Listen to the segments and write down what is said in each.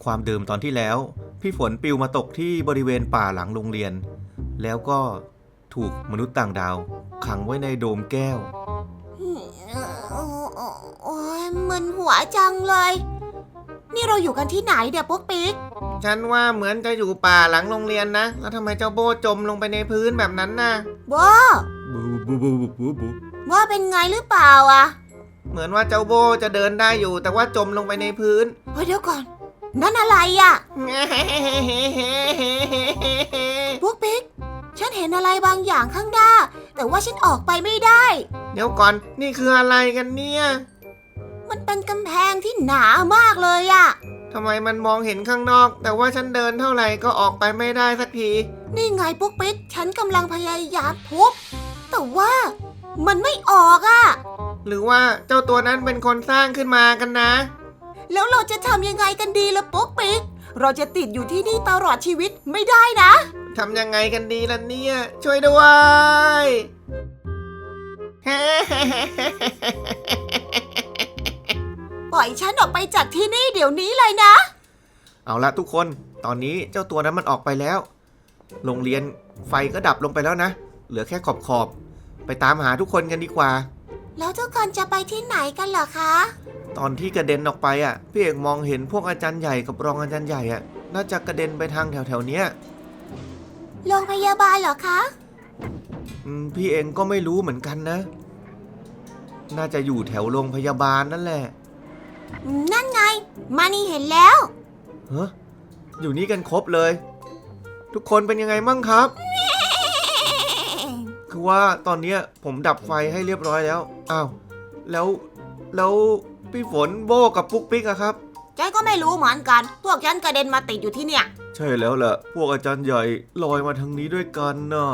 ความเดิมตอนที่แล้วพี่ฝนปลิวมาตกที่บริเวณป่าหลังโรงเรียนแล้วก็ถูกมนุษย์ต่างดาวขังไว้ในโดมแก้วโอ้ยมึนหัวจังเลยนี่เราอยู่กันที่ไหนเดี๋ยวปุ๊กปิ๊กฉันว่าเหมือนจะอยู่ป่าหลังโรงเรียนนะแล้วทำไมเจ้าโบจมลงไปในพื้นแบบนั้นน่ะโบว่าเป็นไงหรือเปล่าอะเหมือนว่าเจ้าโบจะเดินได้อยู่แต่ว่าจมลงไปในพื้นเฮ้ยเดี๋ยวก่อนนั่นอะไรอะปุ๊กปิ๊กฉันเห็นอะไรบางอย่างข้างหน้าแต่ว่าฉันออกไปไม่ได้เดี๋ยวก่อนนี่คืออะไรกันเนี่ยมันเป็นกำแพงที่หนามากเลยอะทำไมมันมองเห็นข้างนอกแต่ว่าฉันเดินเท่าไหร่ก็ออกไปไม่ได้สักทีนี่ไงปุ๊กปิ๊กฉันกำลังพยายามทุบแต่ว่ามันไม่ออกอะหรือว่าเจ้าตัวนั้นเป็นคนสร้างขึ้นมากันนะแล้วเราจะทำยังไงกันดีล่ะปุ๊กปิ๊กเราจะติดอยู่ที่นี่ตลอดชีวิตไม่ได้นะทำยังไงกันดีล่ะเนี่ยช่วยด้วยปล่อยฉันออกไปจากที่นี่เดี๋ยวนี้เลยนะเอาละทุกคนตอนนี้เจ้าตัวนั้นมันออกไปแล้วโรงเรียนไฟก็ดับลงไปแล้วนะเหลือแค่ขอบไปตามหาทุกคนกันดีกว่าแล้วทุกคนจะไปที่ไหนกันเหรอคะตอนที่กระเด็นออกไปอ่ะพี่เอกมองเห็นพวกอาจารย์ใหญ่กับรองอาจารย์ใหญ่อ่ะน่าจะกระเด็นไปทางแถวเนี้ยโรงพยาบาลเหรอคะพี่เองก็ไม่รู้เหมือนกันนะน่าจะอยู่แถวโรงพยาบาลนั่นแหละนั่นไงมานี่เห็นแล้วเฮ้ยอยู่นี่กันครบเลยทุกคนเป็นยังไงมั่งครับคือว่าตอนนี้ผมดับไฟให้เรียบร้อยแล้วอ้าวแล้วพี่ฝนโบกับปุ๊กปิ๊กอะครับฉันก็ไม่รู้เหมือนกันพวกฉันกระเด็นมาติดอยู่ที่เนี่ยใช่แล้วแหละพวกอาจารย์ใหญ่ลอยมาทางนี้ด้วยกันน่ะ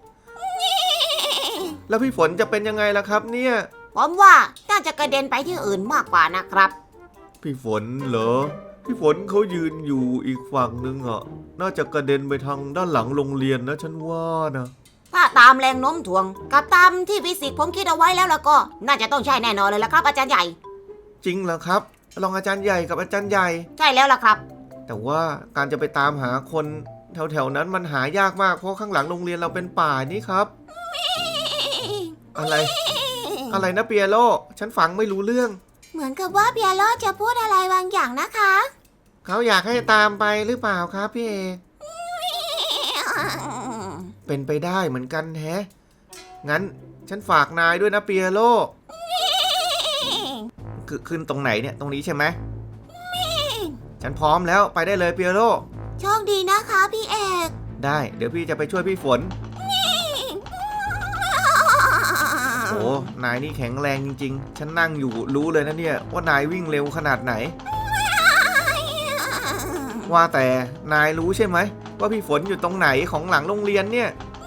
แล้วพี่ฝนจะเป็นยังไงล่ะครับเนี่ยผมว่าน่าจะกระเด็นไปที่อื่นมากกว่านะครับพี่ฝนเหรอพี่ฝนเขายืนอยู่อีกฝั่งนึงอะน่าจะกระเด็นไปทางด้านหลังโรงเรียนนะฉันว่านะถ้าตามแรงโน้มถ่วงกับตามที่ฟิสิกส์ผมคิดเอาไว้แล้วก็น่าจะต้องใช่แน่นอนเลยละครับอาจารย์ใหญ่จริงเหรอครับรองอาจารย์ใหญ่กับอาจารย์ใหญ่ใช่แล้วล่ะครับแต่ว่าการจะไปตามหาคนแถวนั้นมันหายากมากเพราะข้างหลังโรงเรียนเราเป็นป่านี่ครับอะไรนะเปียโลฉันฟังไม่รู้เรื่องเหมือนกับว่าเปียโลจะพูดอะไรบางอย่างนะคะเขาอยากให้ตามไปหรือเปล่าครับพี่เอกเป็นไปได้เหมือนกันแฮะงั้นฉันฝากนายด้วยนะเปียโลขึ้นตรงไหนเนี่ยตรงนี้ใช่ไหมฉันพร้อมแล้วไปได้เลยเปียโลโชคดีนะคะพี่เอกได้เดี๋ยวพี่จะไปช่วยพี่ฝนโอ้นายนี่แข็งแรงจริงๆฉันนั่งอยู่รู้เลยนะเนี่ยว่านายวิ่งเร็วขนาดไหนว่าแต่นายรู้ใช่ไหมว่าพี่ฝนอยู่ตรงไหนของหลังโรงเรียนเนี่ย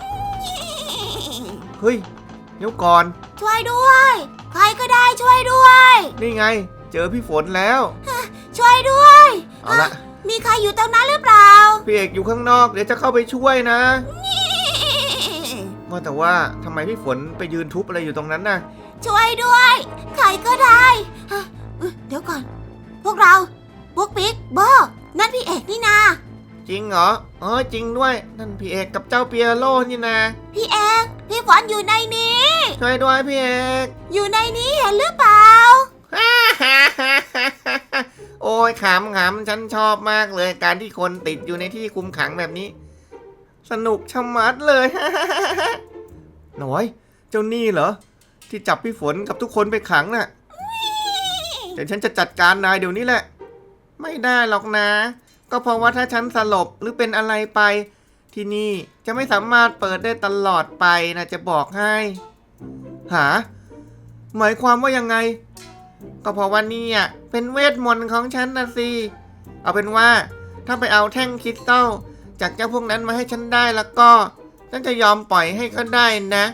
เฮ้ยเดี๋ยวก่อนช่วยด้วยใครก็ได้ช่วยด้วยนี่ไงเจอพี่ฝนแล้วช่วยด้วยเอาละมีใครอยู่ตรงนั้นหรือเปล่าพี่เอกอยู่ข้างนอกเดี๋ยวจะเข้าไปช่วยนะว่าแต่ว่าทำไมพี่ฝนไปยืนทุบอะไรอยู่ตรงนั้นน่ะช่วยด้วยใครก็ได้เดี๋ยวก่อนพวกเราปุ๊กปิ๊กโบนั่นพี่เอกนี่นาจริงเหรอจริงด้วยนั่นพี่เอกกับเจ้าเปียโลนี่นะพี่เอกพี่ฝนอยู่ในนี้ช่วยด้วยพี่เอกอยู่ในนี้เห็นหรือเปล่าโอ้ยขำฉันชอบมากเลยการที่คนติดอยู่ในที่คุมขังแบบนี้สนุกชะมัดเลย หน่อยเจ้านี่เหรอที่จับพี่ฝนกับทุกคนไปขังน่ะเดี๋ยวฉันจะจัดการนายเดี๋ยวนี้แหละไม่ได้หรอกนะก็เพราะว่าถ้าฉันสลบหรือเป็นอะไรไปที่นี่จะไม่สามารถเปิดได้ตลอดไปนะจะบอกให้หมายความว่ายังไงก็เพราะว่านี่เป็นเวทมนต์ของฉันนะสิเอาเป็นว่าถ้าไปเอาแท่งคริสตัลจากเจ้าพวกนั้นมาให้ฉันได้แล้วก็ฉันจะยอมปล่อยให้เขาได้นะ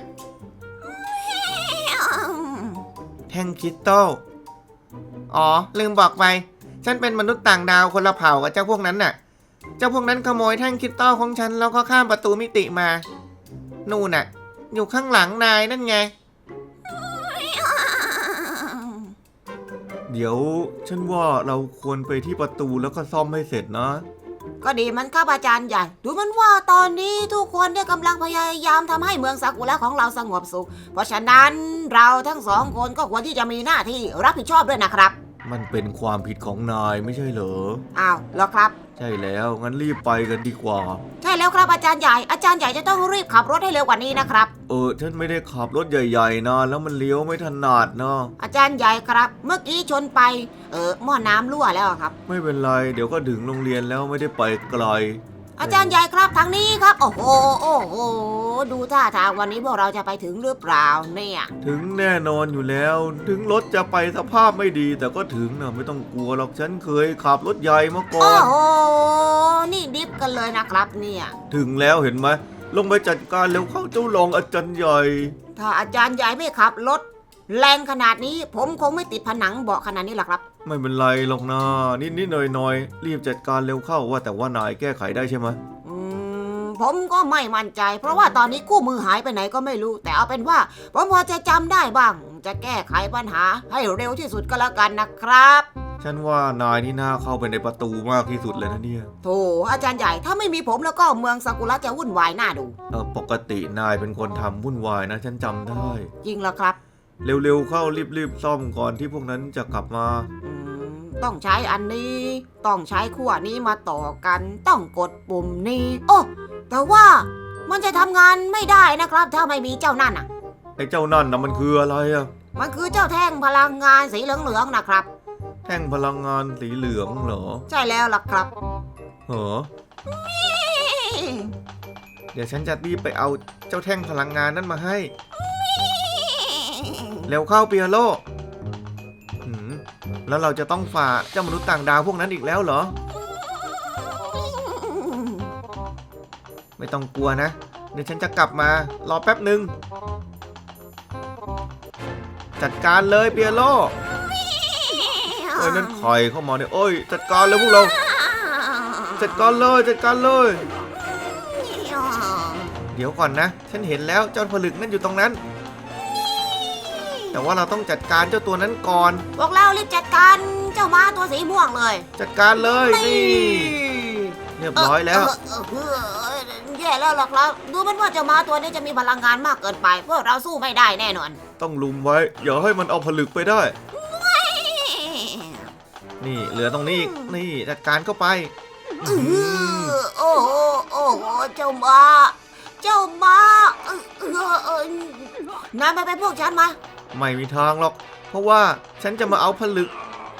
แท่งคริสตัลอ๋อลืมบอกไปฉันเป็นมนุษย์ต่างดาวคนละเผ่ากับเจ้าพวกนั้นน่ะเจ้าพวกนั้นขโมยแท่งคริสตัลของฉันแล้วก็ข้ามประตูมิติมานู่นน่ะอยู่ข้างหลังนายนั่นไงเดี๋ยวฉันว่าเราควรไปที่ประตูแล้วก็ซ่อมให้เสร็จนะก็ดีมันครับอาจารย์ใหญ่ ดูมันว่าตอนนี้ทุกคนเนี่ยกำลังพยายามทำให้เมืองซากุระของเราสงบสุข เพราะฉะนั้นเราทั้งสองคนก็ควรที่จะมีหน้าที่รับผิดชอบด้วยนะครับมันเป็นความผิดของนายไม่ใช่เหรออ้าวเหรอครับใช่แล้วงั้นรีบไปกันดีกว่าใช่แล้วครับอาจารย์ใหญ่ อาจารย์ใหญ่จะต้องรีบขับรถให้เร็วกว่านี้นะครับฉันไม่ได้ขับรถใหญ่ๆนะแล้วมันเลี้ยวไม่ถนัดนะอาจารย์ใหญ่ครับ เมื่อกี้ชนไปหม้อน้ำรั่วแล้วครับไม่เป็นไรเดี๋ยวก็ถึงโรงเรียนแล้วไม่ได้ไปไกลอาจารย์ใหญ่ครับทางนี้ครับ โอ้โหโอ้โหดูท่าทางวันนี้พวกเราจะไปถึงหรือเปล่าเนี่ยถึงแน่นอนอยู่แล้ว ถึงรถจะไปสภาพไม่ดี แต่ก็ถึงนะไม่ต้องกลัวหรอกฉันเคยขับรถใหญ่มาก่อโอ้นโหนี่ดิฟกันเลยนะครับเนี่ยถึงแล้วเห็นไหมลงไปจัดการเร็วเข้าเจ้ารองอาจารย์ใหญ่ถ้าอาจารย์ใหญ่ไม่ขับรถแรงขนาดนี้ ผมคงไม่ติดผนังเบาะขนาดนี้หรอกครับไม่เป็นไรหรอกนะนิดๆหน่อยๆรีบจัดการเร็วเข้าว่าแต่ว่านายแก้ไขได้ใช่ไหมผมก็ไม่มั่นใจ เพราะว่าตอนนี้คู่มือหายไปไหนก็ไม่รู้ แต่เอาเป็นว่าผมพอจะจำได้บ้าง จะแก้ไขปัญหาให้เร็วที่สุดก็แล้วกันนะครับฉันว่านายนี่น่าเข้าไปในประตูมากที่สุดเลยนะเนี่ยโธ่อาจารย์ใหญ่ถ้าไม่มีผมแล้วก็เมืองซากุระจะวุ่นวายน่าดูปกตินายเป็นคนทำวุ่นวายนะฉันจำได้จริงเหรอครับเร็วๆเข้ารีบๆซ่อมก่อนที่พวกนั้นจะกลับมาต้องใช้อันนี้ ต้องใช้ขั้วนี้มาต่อกัน ต้องกดปุ่มนี้ โอ้แต่ว่ามันจะทำงานไม่ได้นะครับ ถ้าไม่มีเจ้านั่นอ่ะไอ้เจ้านั่นนะมันคืออะไรอะมันคือเจ้าแท่งพลังงานสีเหลืองๆนะครับแท่งพลังงานสีเหลืองเหรอใช่แล้วล่ะครับเหรอเดี๋ยวฉันจะรีบไปเอาเจ้าแท่งพลังงานนั้นมาให้ เร็วเข้าเปียโลแล้วเราจะต้องฝ่าเจ้ามนุษย์ต่างดาวพวกนั้นอีกแล้วเหรอ ไม่ต้องกลัวนะ เดี๋ยวฉันจะกลับมารอแป๊บหนึ่งจัดการเลยเปียโลนั่นใครเข้ามาเนี่ยจัดการเลยพวกเราจัดการเลยจัดการเลย เดี๋ยวก่อนนะฉันเห็นแล้วเจ้าผลึกนั่นอยู่ตรงนั้น แต่ว่าเราต้องจัดการเจ้าตัวนั้นก่อนพวกเรารีบจัดการเจ้าม้าตัวสีม่วงเลยจัดการเลยนี่เรียบร้อยแล้วแย่แล้วล่ะครับ ดูเหมือนว่าเจ้าม้าตัวนี้จะมีพลังงานมากเกินไปพวกเราสู้ไม่ได้แน่นอนต้องลุมไว้อย่าให้มันเอาผลึกไปได้ นี่เหลือตรงนี้อีกนี่จัดการเข้าไปโอ้โหโอ้โหเจ้าม้าน้าไปพวกฉันมาไม่มีทางหรอก เพราะว่าฉันจะมาเอาผลึก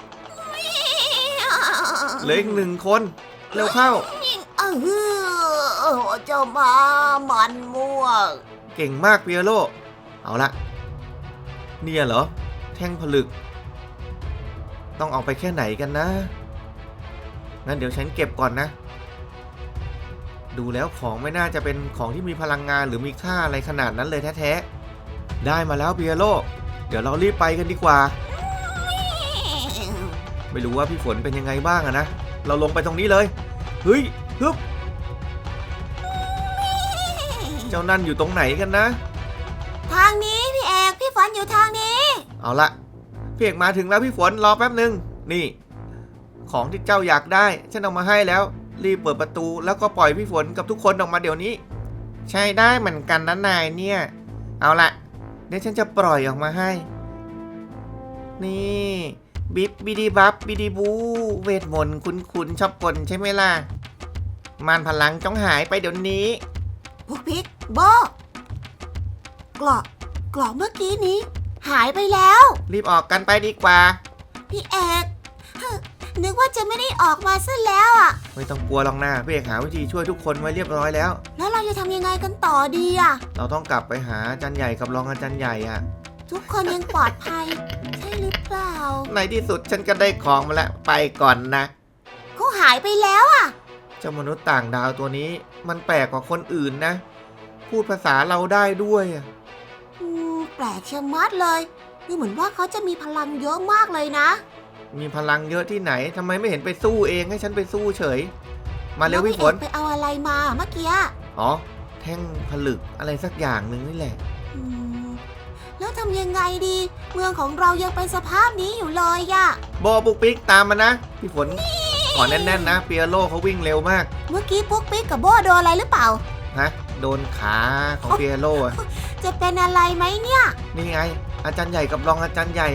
เหลืออีก1 คนเร็วเข้าเจ้าม้ามันม่วงเก่งมากเปียโลเอาละเนี่ยเหรอแท่งผลึกต้องเอาไปแค่ไหนกันนะงั้นเดี๋ยวฉันเก็บก่อนนะดูแล้วของไม่น่าจะเป็นของที่มีพลังงานหรือมีค่าอะไรขนาดนั้นเลยแท้ๆได้มาแล้วเปียโลเดี๋ยวเรารีบไปกันดีกว่าไม่รู้ว่าพี่ฝนเป็นยังไงบ้างอะนะเราลงไปตรงนี้เลยเฮ้ยฮึบเจ้านั่นอยู่ตรงไหนกันนะทางนี้พี่เอกพี่ฝนอยู่ทางนี้เอาละพี่เอกมาถึงแล้วพี่ฝนรอแป๊บหนึ่งนี่ของที่เจ้าอยากได้ฉันเอามาให้แล้วรีบเปิดประตูแล้วก็ปล่อยพี่ฝนกับทุกคนออกมาเดี๋ยวนี้ใช่ได้เหมือนกันนะนายเนี่ยเอาละเดี๋ยวฉันจะปล่อยออกมาให้นี่บิบบิดีบับบิดีบูเวทมนต์คุณชอบกลใช่ไหมล่ะมารพลังจงหายไปเดี๋ยวนี้พวกพิกโบกรอกเมื่อกี้นี้ หายไปแล้วรีบออกกันไปดีกว่าพี่เอกนึกว่าจะไม่ได้ออกมาซะแล้วอ่ะไม่ต้องกลัวหรอกนะพี่เอกหาวิธีช่วยทุกคนไว้เรียบร้อยแล้วแล้วเราจะทำยังไงกันต่อดีอ่ะเราต้องกลับไปหาอาจารย์ใหญ่กับรองอาจารย์ใหญ่อะทุกคนยังปลอดภัย ใช่หรือเปล่าในที่สุดฉันก็ได้ของมาแล้วไปก่อนนะเขาหายไปแล้วอ่ะเจ้ามนุษย์ต่างดาวตัวนี้มันแปลกกว่าคนอื่นนะ พูดภาษาเราได้ด้วยอะแปลกชะมัดเลยดูเหมือนว่าเขาจะมีพลังเยอะมากเลยนะมีพลังเยอะที่ไหนทำไมไม่เห็นไปสู้เองให้ฉันไปสู้เฉย มาเร็วพี่ฝนไปเอาอะไรมาเมื่อกี้อ๋อแท่งผลึกอะไรสักอย่างหนึ่งนี่แหละแแล้วทำยังไงดี เมืองของเรายังเป็นสภาพนี้อยู่เลยอะโบปุกปิ๊กตามมานะพี่ฝนขอแน่นๆนะเปียโรเขาวิ่งเร็วมากเมื่อกี้ปุ๊กปิ๊กกับโบโดนอะไรหรือเปล่าฮะโดนขาของเปียโรอะจะเป็นอะไรไหมเนี่ยนี่ไง อาจารย์ใหญ่กับรองอาจารย์ใหญ่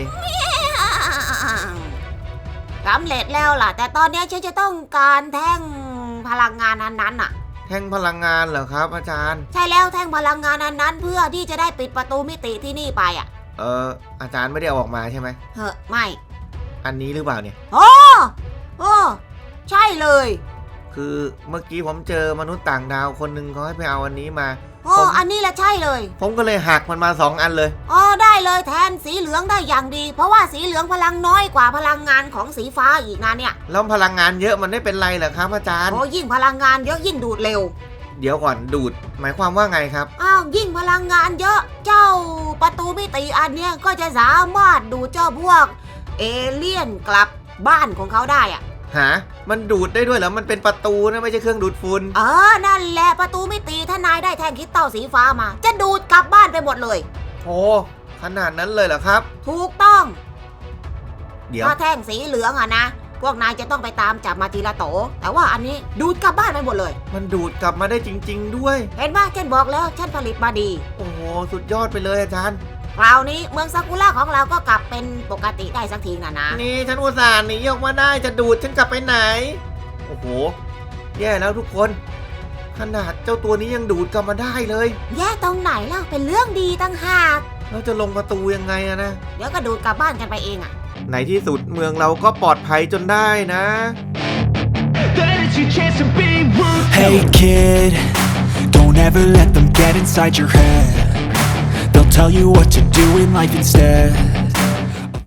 สำเร็จแล้วล่ะ แต่ตอนนี้ฉันจะต้องการแท่งพลังงานนั้นน่ะแท่งพลังงานเหรอครับ อาจารย์ใช่แล้วแท่งพลังงานนั้นเพื่อที่จะได้ปิดประตูมิติที่นี่ไปอ่ะอาจารย์ไม่ได้เอาออกมาใช่ไหมเฮ้ไม่อันนี้หรือเปล่าเนี่ยโอ้ใช่เลยคือเมื่อกี้ผมเจอมนุษย์ต่างดาวคนหนึ่งเขาให้ไปเอาอันนี้มาโอ้อันนี้แหละใช่เลยผมก็เลยหักมันมา2 อันเลยอ๋อได้เลยแทนสีเหลืองได้อย่างดี เพราะว่าสีเหลืองพลังน้อยกว่าพลังงานของสีฟ้าอีกนะเนี่ยแล้วพลังงานเยอะมันไม่เป็นไรเหรอครับอาจารย์โอ้ยิ่งพลังงานเยอะยิ่งดูดเร็วเดี๋ยวก่อนดูด หมายความว่าไงครับอ้าวยิ่งพลังงานเยอะเจ้าประตูมิติอันเนี้ยก็จะสามารถดูดเจ้าพวกเอเลี่ยนกลับบ้านของเขาได้อะหา มันดูดได้ด้วยเหรอ มันเป็นประตูนะไม่ใช่เครื่องดูดฝุ่นนั่นแหละประตูมิติถ้านายได้แท่งคริสตัลสีฟ้ามา จะดูดกลับบ้านไปหมดเลยโอ้ขนาดนั้นเลยเหรอครับถูกต้องเดี๋ยวถ้าแท่งสีเหลืองอะนะ พวกนายจะต้องไปตามจับมาทีละโต แต่ว่าอันนี้ดูดกลับบ้านไปหมดเลยมันดูดกลับมาได้จริง ๆ ด้วยเห็นไหมฉันบอกแล้วฉันผลิตมาดีโอ้โห สุดยอดไปเลยอาจารย์คราวนี้เมืองซากุระของเราก็กลับเป็นปกติได้สักทีนะนี่ฉันอุตส่าห์หนีออกมาได้จะดูดฉันกลับไปไหน โอ้โห แย่แล้วทุกคน ขนาดเจ้าตัวนี้ยังดูดกลับมาได้เลยแย่ตรงไหนล่ะเป็นเรื่องดีตั้งหากเราจะลงประตูยังไงอะนะเดี๋ยวก็ดูดกลับบ้านกันไปเองอะในที่สุดเมืองเราก็ปลอดภัยจนได้นะ Hey kid, don't ever let them get inside your head. They'll tell you what to do in life instead.